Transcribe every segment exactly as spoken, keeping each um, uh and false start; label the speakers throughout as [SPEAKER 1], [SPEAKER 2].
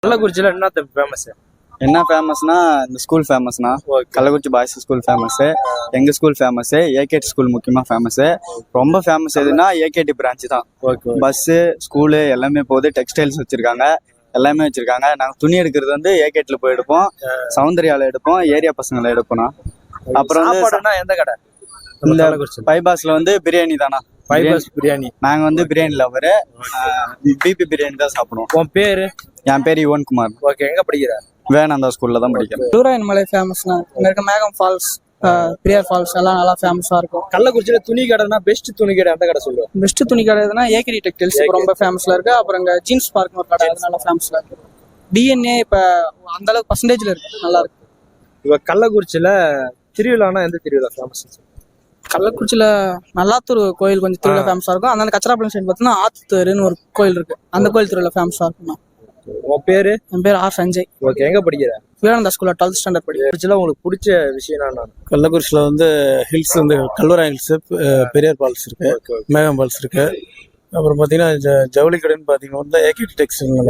[SPEAKER 1] கள்ளக்குறிச்சியில என்ன ஃபேமஸ்?
[SPEAKER 2] என்ன ஃபேமஸ்னா இந்த ஸ்கூல் ஃபேமஸ்னா கள்ளக்குறிச்சி பாய்ஸ் ஸ்கூல் ஃபேமஸ். எங்க ஸ்கூல் ஃபேமஸ், ஏகேடி ஸ்கூல் முக்கியமா ஃபேமஸ். ரொம்ப ஃபேமஸ் எதுனா ஏகேடி பிரான்ச் தான். பஸ்ஸு ஸ்கூலு எல்லாமே போகுது. டெக்ஸ்டைல்ஸ் வச்சிருக்காங்க, எல்லாமே வச்சிருக்காங்க. நாங்கள் துணி எடுக்கிறது வந்து ஏகேட்ல போய் எடுப்போம், சௌந்தர்யால எடுப்போம், ஏரியா பசங்களை எடுப்போம். அப்புறம் வந்து
[SPEAKER 1] எந்த கடை?
[SPEAKER 2] இந்த பைபாஸ்ல வந்து பிரியாணி தானா,
[SPEAKER 1] பைபாஸ் பிரியாணி.
[SPEAKER 2] நாங்க வந்து பிரியாணி லவரு, பிபி பிரியாணி தான் சாப்பிடுவோம்.
[SPEAKER 1] உன் பேரு?
[SPEAKER 2] என் பேர் யுவன்குமார்.
[SPEAKER 1] ஓகே, எங்க படிக்கிற?
[SPEAKER 2] வேணாந்தா ஸ்கூல்ல தான் படிக்கிறேன்.
[SPEAKER 3] டூராயன் மலை ஃபேமஸ்னா இங்க இருக்க மேகம் ஃபால்ஸ், பிரியார் ஃபால்ஸ் எல்லாம் நல்லா ஃபேமஸா இருக்கும்.
[SPEAKER 1] கள்ளக்குறிச்சியில துணி கடைனா பெஸ்ட் துணி கடை அந்த கடை சொல்லுவேன்.
[SPEAKER 3] பெஸ்ட் துணி கடை எதுனா ஏகேடி டெக்டைல்ஸ் ரொம்ப ஃபேமஸ்ல இருக்கு. அப்புறம் இங்க ஜீன்ஸ் பார்க் ஒரு கடை அது நல்லா ஃபேமஸ்ல இருக்கு. டிஎன்ஏ இப்ப அந்த அளவுக்கு பர்சன்டேஜ்ல இருக்கு, நல்லா இருக்கு.
[SPEAKER 1] இப்ப கள்ளக்குறிச்சியில திருவிழானா எந்த திருவிழா ஃபேமஸ்?
[SPEAKER 3] கள்ளக்குறிச்சியில நல்லாத்தூர் கோயில் கொஞ்சம் திருவிழா ஃபேமஸா இருக்கும். அந்த கச்சராப்பள்ளம் சைடு பார்த்தீங்கன்னா ஆத்துத்தேருன்னு ஒரு கோயில் இருக்கு, அந்த கோயில் திருவிழா ஃபேமஸா இருக்கும்.
[SPEAKER 1] உன் பேரு?
[SPEAKER 3] என் பேர் ஆர் சஞ்சய்.
[SPEAKER 1] ஓகே, எங்க படிக்கிற?
[SPEAKER 3] விவேகானந்தா ஸ்கூல்ல டுவெல்த் ஸ்டாண்டர்ட் படிக்கிறேன்.
[SPEAKER 1] உங்களுக்கு பிடிச்ச விஷயம் என்ன?
[SPEAKER 4] கள்ளக்குறிச்சியில வந்து ஹில்ஸ் வந்து கல்லூரா ஹில்ஸ், பெரியார் ஃபால்ஸ் இருக்கு, மேகம் ஃபால்ஸ் இருக்கு. அப்புறம் பாத்தீங்கன்னா ஜவுளி கடைன்னு பாத்தீங்கன்னா ஏகேடி டெக்ஸ்டைல்.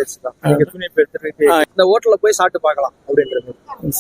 [SPEAKER 1] இந்த ஹோட்டல்ல போய் சாப்பிட்டு பார்க்கலாம் அப்படின்றது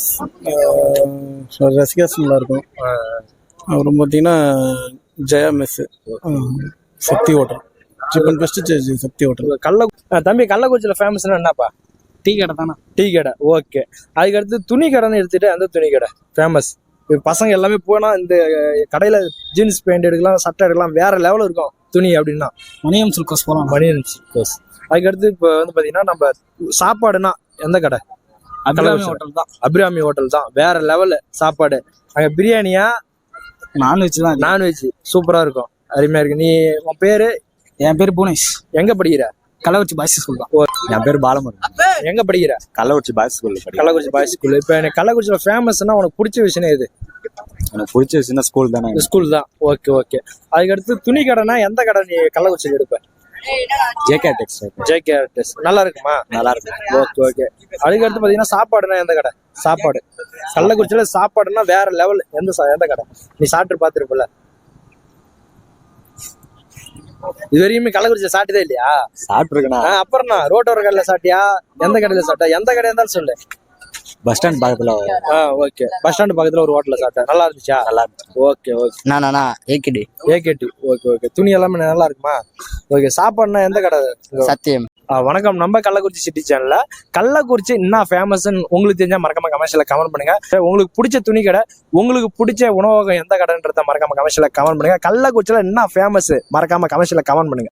[SPEAKER 4] ரசிகாஸ் நல்லா இருக்கும். அப்புறம் பாத்தீங்கன்னா Jaya mess, Sakthi hotel, chicken best Sakthi hotel.
[SPEAKER 1] கள்ள தம்பி கள்ளக்குறிச்சியில ஃபேமஸ்னா என்னப்பா?
[SPEAKER 3] டீ கடை தானே.
[SPEAKER 1] டீ கடை. ஓகே, அதுக்கு அடுத்து துணி கடைன்னு எடுத்துட்டு அந்த துணி கடை ஃபேமஸ். இப்போ பசங்க எல்லாமே போனா இந்த கடையில ஜீன்ஸ் பேண்ட் எடுக்கலாம், சட்டை எடுக்கலாம், வேற லெவல் இருக்கும் துணி அப்படின்னா.
[SPEAKER 3] மணியம் சில்கோஸ் போலாம்.
[SPEAKER 1] மணியம் சில்கோஸ். அதுக்கு அடுத்து இப்போ வந்து பாத்தீங்கன்னா நம்ம சாப்பாடுனா எந்த கடை?
[SPEAKER 3] அபிராமி ஹோட்டல் தான்.
[SPEAKER 1] அபிராமி ஹோட்டல் தான் வேற லெவல் சாப்பாடு. அங்க பிரியாணியா
[SPEAKER 3] நான்வெஜ் தான்.
[SPEAKER 1] நான்வெஜ் சூப்பரா இருக்கும், அருமையா இருக்கு. நீ உன் பேரு?
[SPEAKER 3] என் பேர் புவனேஷ்.
[SPEAKER 1] எங்க படிக்கிற?
[SPEAKER 3] கள்ளக்குறிச்சி பாய்ஸ் ஸ்கூல் தான்.
[SPEAKER 2] என் பேர் பாலமுருகன்.
[SPEAKER 1] எங்க படிக்கிற?
[SPEAKER 2] கள்ளக்குறிச்சி பாய்ஸ் ஸ்கூல்ல படிக்கிறேன்.
[SPEAKER 1] Kallakurichi boys school. இப்போ எனக்கு கள்ளக்குறிச்சியில ஃபேமஸ்னா உனக்கு பிடிச்ச விஷயம் எது?
[SPEAKER 2] எனக்கு பிடிச்ச விஷயம் ஸ்கூல் தானே.
[SPEAKER 1] ஸ்கூல் தான். Okay okay. அதுக்கு அடுத்து துணி கடைனா எந்த கடை நீ கள்ளக்குறிச்சியில் எடுப்ப?
[SPEAKER 2] JK textile.
[SPEAKER 1] ஜேகே டெக்ஸ்டைல் நல்லா இருக்குமா?
[SPEAKER 2] நல்லா இருக்கும்.
[SPEAKER 1] Okay okay. அதுக்கு அடுத்து பாத்தீங்கன்னா சாப்பாடுனா எந்த கடை? சாப்பாடு கள்ளக்குறிச்சியில சாப்பாடுனா வேற லெவல். எந்த எந்த கடை நீ சாப்பிட்டு பாத்துருப்பல? இது வரையுமே கள்ளக்குறிச்சியில சாப்பிட்டதே இல்லையா?
[SPEAKER 2] சாப்பிட்டுருக்கா?
[SPEAKER 1] அப்புறம் ரோட்டோர கடையில சாப்பிட்டியா? எந்த கடையில சாப்பிட்டா? எந்த கடையா இருந்தாலும் சொல்லு.
[SPEAKER 2] பஸ் ஸ்டாண்ட் பக்கத்துல.
[SPEAKER 1] ஓகே, பஸ் ஸ்டாண்ட் பக்கத்துல ஒரு ஹோட்டல்ல சாப்பிட்டேன், நல்லா இருந்துச்சா?
[SPEAKER 2] நல்லா இருந்துச்சு.
[SPEAKER 1] Okay okay.
[SPEAKER 2] நானா ஏகேடி.
[SPEAKER 1] ஏகேடி. Okay okay. துணி எல்லாமே நல்லா இருக்குமா? ஓகே. சாப்பாடுனா எந்த கடை?
[SPEAKER 2] சத்தியம்.
[SPEAKER 1] வணக்கம், நம்ம கள்ளக்குறிச்சி சிட்டி சேனல்ல கள்ளக்குறிச்சி என்ன ஃபேமஸ் உங்களுக்கு தெரிஞ்சா மறக்காம கமெண்ட்ஸ்ல கமெண்ட் பண்ணுங்க. உங்களுக்கு பிடிச்ச துணி கடை, உங்களுக்கு பிடிச்ச உணவகம் எந்த கடைன்றத மறக்காம கமெண்ட்ஸ்ல கமெண்ட் பண்ணுங்க. கள்ளக்குறிச்சியில என்ன ஃபேமஸ் மறக்காம கமெண்ட்ஸ்ல கமெண்ட் பண்ணுங்க.